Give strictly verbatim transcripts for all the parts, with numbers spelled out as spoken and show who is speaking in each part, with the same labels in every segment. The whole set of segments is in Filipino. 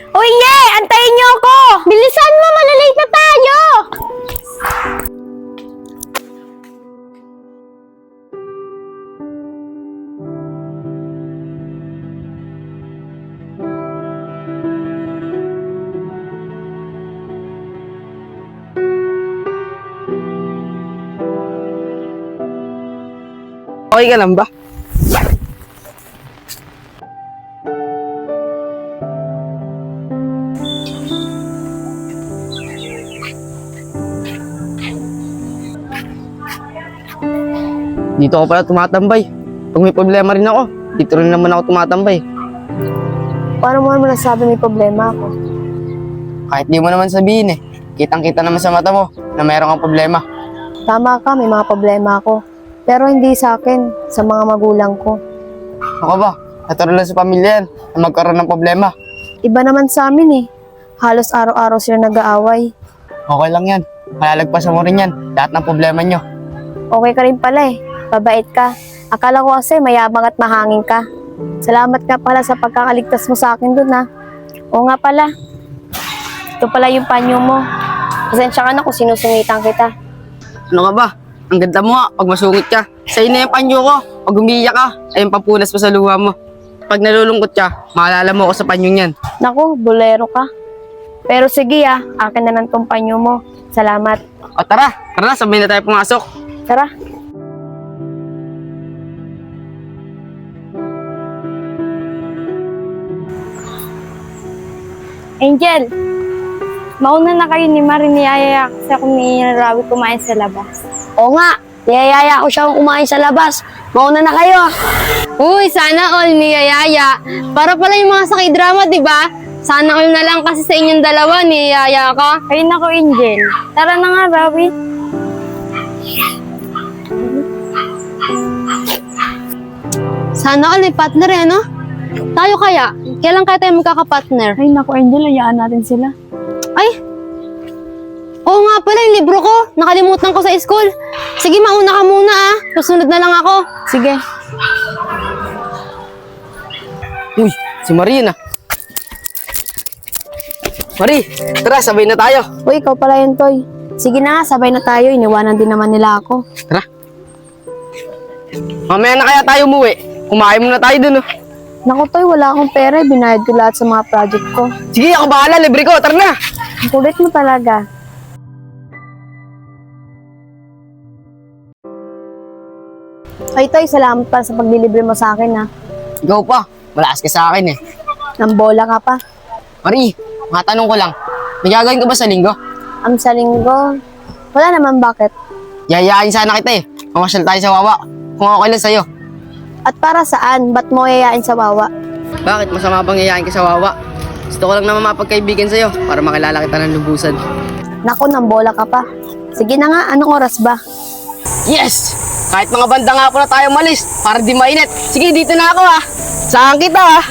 Speaker 1: Uy, Ye! Antayin niyo ako! Bilisan mo! Malalate na tayo!
Speaker 2: Okay ka lang ba? Dito ako pala tumatambay. Pag may problema rin ako, dito rin naman ako tumatambay.
Speaker 1: Paano mo naman nasabi may problema ako?
Speaker 2: Kahit di mo naman sabihin eh, kitang-kita naman sa mata mo na mayroon kang problema.
Speaker 1: Tama ka, may mga problema ako. Pero hindi sa akin, sa mga magulang ko.
Speaker 2: Ako ba? Natural lang sa pamilya yan na magkaroon ng problema.
Speaker 1: Iba naman sa amin eh. Halos araw-araw sila nag-aaway.
Speaker 2: Okay lang yan. Malalagpasan mo rin yan, lahat ng problema nyo.
Speaker 1: Okay ka rin pala eh. Babait ka. Akala ko kasi mayabang at mahangin ka. Salamat nga pala sa pagkakaligtas mo sa akin dun ha. Oo nga pala. Ito pala yung panyo mo. Pasensya ka na kung sinusungitan kita.
Speaker 2: Ano ka ba? Ang ganda mo nga, pag masungit ka. Sa'yo na yung panyo ko. Pag umiiyak ka, ay yung papunas pa sa luha mo. Pag nalulungkot ka, maalala mo ako sa panyo niyan.
Speaker 1: Naku, bolero ka. Pero sige ah, akin na lang tong panyo mo. Salamat.
Speaker 2: O tara, tara na, sabay na tayo pumasok.
Speaker 1: Tara. Angel, mauna na kayo ni Marie, niyayaya kasi ako ni Rawi kumain sa labas.
Speaker 3: Oo nga, niyayaya ko siyang kumain sa labas. Mauna na kayo.
Speaker 4: Uy, sana all niyayaya. Para pala yung mga sakay drama, di ba? Sana all na lang kasi sa inyong dalawa, niyayaya ka.
Speaker 1: Ayun ako, Angel. Tara na nga, Rawi.
Speaker 4: Sana all may partner eh, no? Tayo kaya? Kailan kaya tayo magkakapartner?
Speaker 1: Ay, naku, Angel, hayaan natin sila.
Speaker 4: Ay! Oo nga pala, yung libro ko. Nakalimutan ko sa school. Sige, mauna ka muna ah. Susunod na lang ako.
Speaker 1: Sige.
Speaker 2: Uy, si Marie na. Marie, tara, sabay na tayo.
Speaker 1: Uy, ikaw pala yun, Toy. Sige na nga, sabay na tayo. Iniwanan din naman nila ako.
Speaker 2: Tara. Mamaya na kaya tayo umuwi. Kumain muna tayo dun, oh.
Speaker 1: Naku, Toy, wala akong pera. Binayad ko lahat sa mga project ko.
Speaker 2: Sige, ako bahala, libre ko. Tara na.
Speaker 1: Ang kulit mo talaga. Ay, Toy, salamat pa sa paglilibre mo sa akin, ha.
Speaker 2: Ikaw pa, malakas ka sa akin eh.
Speaker 1: Nambola ka pa.
Speaker 2: Marie, matanong ko lang. May gagawin ka ba sa linggo?
Speaker 1: Ang sa linggo, wala naman bakit.
Speaker 2: Yayain sana kita eh. Mamasyal tayo sa Wawa. Kung okay lang sa'yo.
Speaker 1: At para saan? Ba't mo yayain sa wawa?
Speaker 2: Bakit? Masama bang yayain ka sa Wawa? Gusto ko lang naman mapagkaibigan sa'yo para makilala kita ng lubusan.
Speaker 1: Naku, nambola ka pa. Sige na nga, anong oras ba?
Speaker 2: Yes! Kahit mga banda nga po na tayo malis para di mainit. Sige, dito na ako ah. Saan kita ah?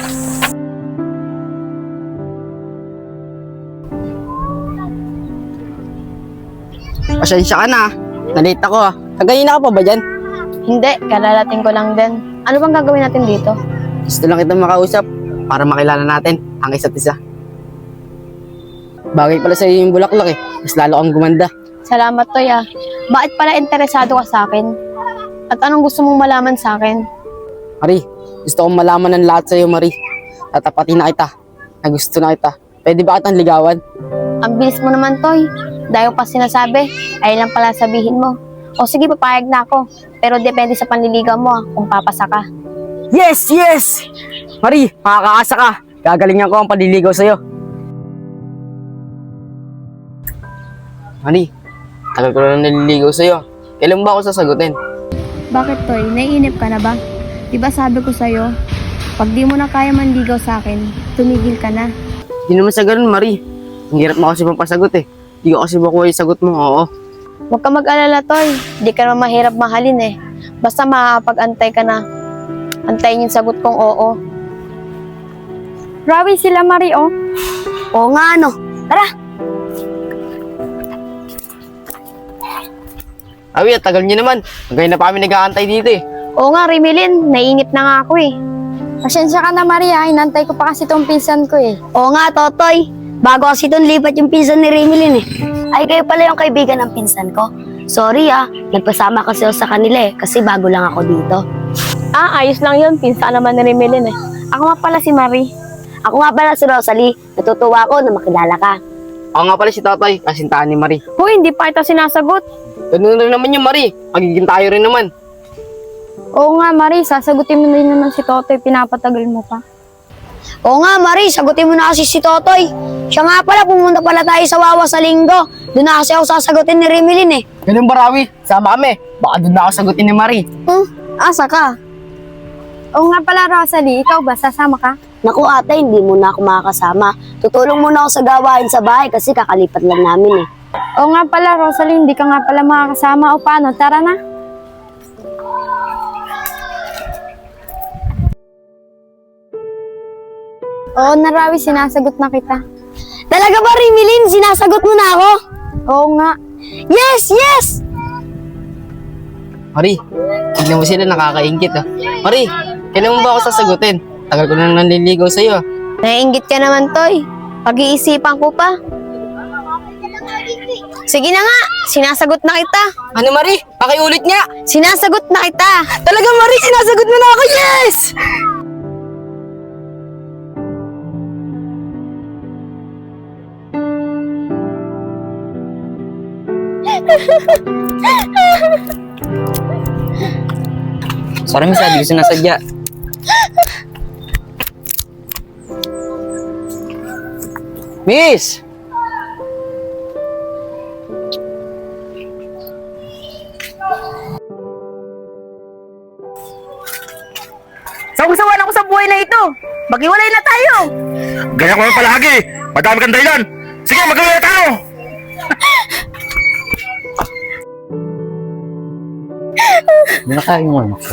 Speaker 2: Pasensya ka na ah. Nalate ako ah. Kaganina ka pa ba dyan?
Speaker 1: Hindi, kalalating ko lang din. Ano bang gagawin natin dito?
Speaker 2: Gusto lang kitang makausap para makilala natin ang isa't isa. Bagay pala sa'yo yung bulaklak eh. Mas lalo kang gumanda.
Speaker 1: Salamat, Toy, ah. Bakit pala interesado ka sa akin? At anong gusto mong malaman sa akin?
Speaker 2: Marie, gusto kong malaman ng lahat sa'yo, Marie. Tatapatin na kita. Na gusto na kita. Pwede ba kitang ligawan?
Speaker 1: Ang bilis mo naman, Toy. Dahil pa sinasabi, ay lang pala sabihin mo. O sige, papayag na ako. Pero depende sa panliligaw mo, ah, kung papasa ka.
Speaker 2: Yes! Yes! Marie, makakaasa ka. Gagalingan ko ang paliligaw sa'yo. Marie, tagal ko na naliligaw sa'yo. Kailan ba ako sasagutin?
Speaker 5: Bakit, Toy? Naiinip ka na ba? Diba sabi ko sa'yo, pag di mo na kaya manligaw sa akin, tumigil ka na.
Speaker 2: Hindi naman sa ganun, Marie. Ang hirap mo kasi pampasagot eh. Hindi ko kasi makuha yung sagot mo, oo.
Speaker 1: Huwag ka mag-alala, Toy. Di ka naman mahirap mahalin eh. Basta makakapag-antay ka na. Antayin yung sagot kong oo. Rawi, sila Marie, oh.
Speaker 3: Oo nga, ano. Tara.
Speaker 2: Awi, at tagal niyo naman. Hanggang na pa kami nag-aantay dito eh.
Speaker 1: Oo nga, Rimilin. Naiinip na nga ako eh.
Speaker 5: Pasensya ka na, Maria. Inantay ko pa kasi tong pinsan ko eh.
Speaker 3: Oo nga, Totoy. Bago kasi doon lipat yung pinsan ni Rimilin eh. Ay, kayo pala yung kaibigan ng pinsan ko. Sorry ah, nagpasama kasi ako sa kanila eh, kasi bago lang ako dito.
Speaker 1: Ah, ayos lang yun. Pinsa naman ni Remelin eh. Ako nga pala si Marie.
Speaker 3: Ako nga pala si Rosalie. Natutuwa ako na makilala ka.
Speaker 2: Ako nga pala si Totoy, kasintahan ni Marie.
Speaker 1: Hoy, hindi pa kita sinasagot.
Speaker 2: Ganun rin naman yung Marie. Magiging tayo rin naman.
Speaker 5: Oo nga, Marie. Sasagutin mo na rin naman si Totoy. Pinapatagal mo pa.
Speaker 3: Oo nga, Marie, sagutin mo na kasi si Totoy. Siya nga pala, pumunta pala tayo sa Wawa sa linggo. Doon na kasi ako sasagutin ni Rimilin eh.
Speaker 2: Ganun ba, Rawi? Sama kami. Baka doon na ako sagutin ni Marie.
Speaker 5: Hmm? Asa ka? Oo nga pala, Rosalie. Ikaw ba? Sasama ka?
Speaker 3: Naku ate, hindi mo na ako makakasama. Tutulong muna ako sa gawain sa bahay kasi kakalipat lang namin eh.
Speaker 5: Oo nga pala, Rosalie. Hindi ka nga pala makakasama. O paano? Tara na. Oo na, Rawi. Sinasagot na kita.
Speaker 3: Talaga ba, Rimilin? Sinasagot mo na ako?
Speaker 5: Oo nga.
Speaker 3: Yes, yes!
Speaker 2: Marie, tignan mo sila, nakakaingit ah. Marie, kailan mo ba ako sasagutin? Tagal ko nang nanliligaw sa'yo ah.
Speaker 1: Naiinggit ka naman, Toy. Pag-iisipan ko pa. Sige na nga, sinasagot na kita.
Speaker 2: Ano Marie? Pakiulit nga!
Speaker 1: Sinasagot na kita.
Speaker 2: Talaga Marie, sinasagot mo na ako, yes! Sorry, miss, hindi ko sinasadya. Miss!
Speaker 6: Sawang-sawa na ako sa buhay na ito. Maghiwalay na tayo.
Speaker 7: Ganyan ko lang palagi. Madami kang dahilan. Sige, magkawala tayo.
Speaker 2: Hindi na kaya yung ano ko.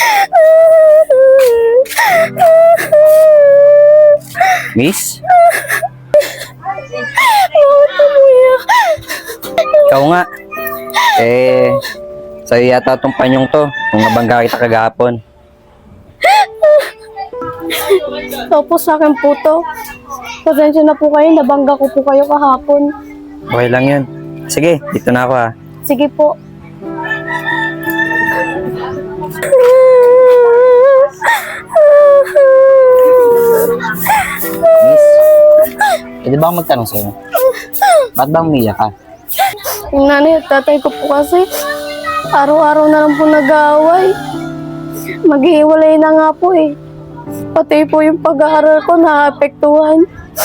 Speaker 2: Miss? Ikaw nga. Eh, sa'yo yata itong panyong to. Nung nabangga kita kagahapon.
Speaker 5: Opo, sa akin po to. Pasensya na po kayo. Nabangga ko po kayo kahapon.
Speaker 2: Okay lang yun. Sige, dito na ako ha.
Speaker 5: Sige po.
Speaker 2: Miss, pwede ba akong magtanong sa'yo? Ba't ba umiyak ka?
Speaker 5: Yung nanay at tatay ko po kasi, araw-araw na lang po nag-aaway. Maghihiwalay na nga po eh. Pati po yung pag-aaral ko naapektuhan.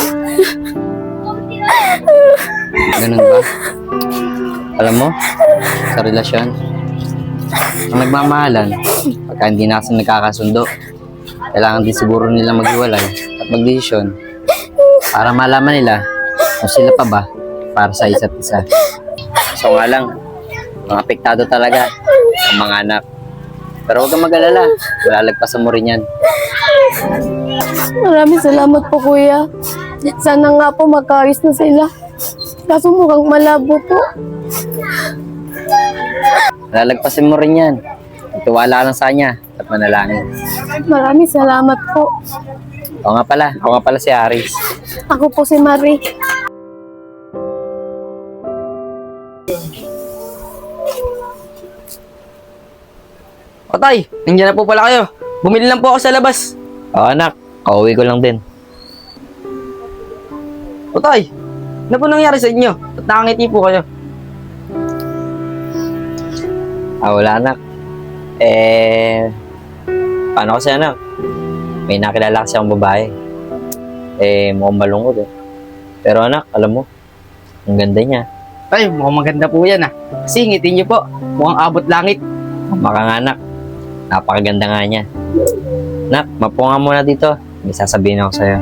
Speaker 2: Ganun ba? Alam mo, sa relasyon, ang nagmamahalan, pagka hindi na kasi nagkakasundo, kailangan din siguro nilang maghiwalay at magdesisyon para malaman nila kung sila pa ba para sa isa't isa. So nga lang, mga apektado talaga ang mga anak. Pero huwag kang mag-alala, malalagpasan mo rin yan.
Speaker 5: Maraming salamat po, kuya. Sana nga po magkaayos na sila. Kaso mukhang malabo po.
Speaker 2: Malalagpasan mo rin yan. Ituwala lang sa kanya at manalangin.
Speaker 5: Maraming salamat po.
Speaker 2: Ako nga pala, ako nga pala si Aris.
Speaker 5: Ako po si Marie.
Speaker 2: O tay, nandiyan na po pala kayo. Bumili lang po ako sa labas. Oo anak, kauwi ko lang din. O tay, ano po nangyari sa inyo? Ba't nakangiti po kayo? Ah, wala anak. Eh, paano kasi anak? May nakilala kasi akong babae. Eh, mukhang malungkot eh. Pero anak, alam mo, ang ganda niya. Ay, mukhang maganda po yan ah. Kasi ngiti niyo po, mukhang abot langit. Maka nga anak, napakaganda nga niya. Nak, mapo nga muna dito. May sasabihin ako sa'yo.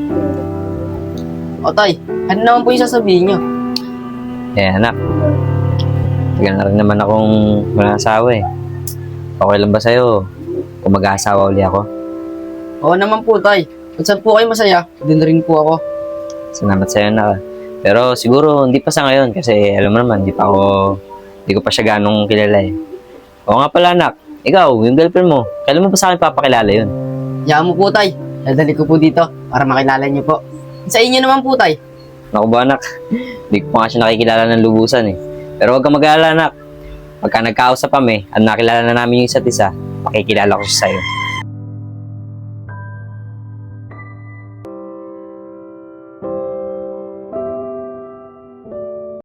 Speaker 2: O tay, ano naman po yung sasabihin niyo? Eh anak, tagal na rin naman akong walang asawa eh. Okay lang ba sa'yo kung mag-aasawa uli ako? Oo naman po tay. Kung saan po kayo masaya, din rin po ako. Salamat sa'yo na. Pero siguro hindi pa sa ngayon kasi alam mo naman, hindi pa ako, hindi ko pa siya ganong kilala eh. Oo nga pala anak, ikaw, yung girlfriend mo, kailan mo pa sa akin papakilala yun?
Speaker 8: Yaan mo po, tay. Dadali ko po dito para makilala niyo po. Sa inyo naman po, tay.
Speaker 2: Naku ba anak, hindi ko pa nga siya nakikilala ng lubusan eh. Pero huwag kang mag-alala anak. Pagka nagkausap kami at nakilala na namin yung isa't isa, makikilala ko siya sa'yo.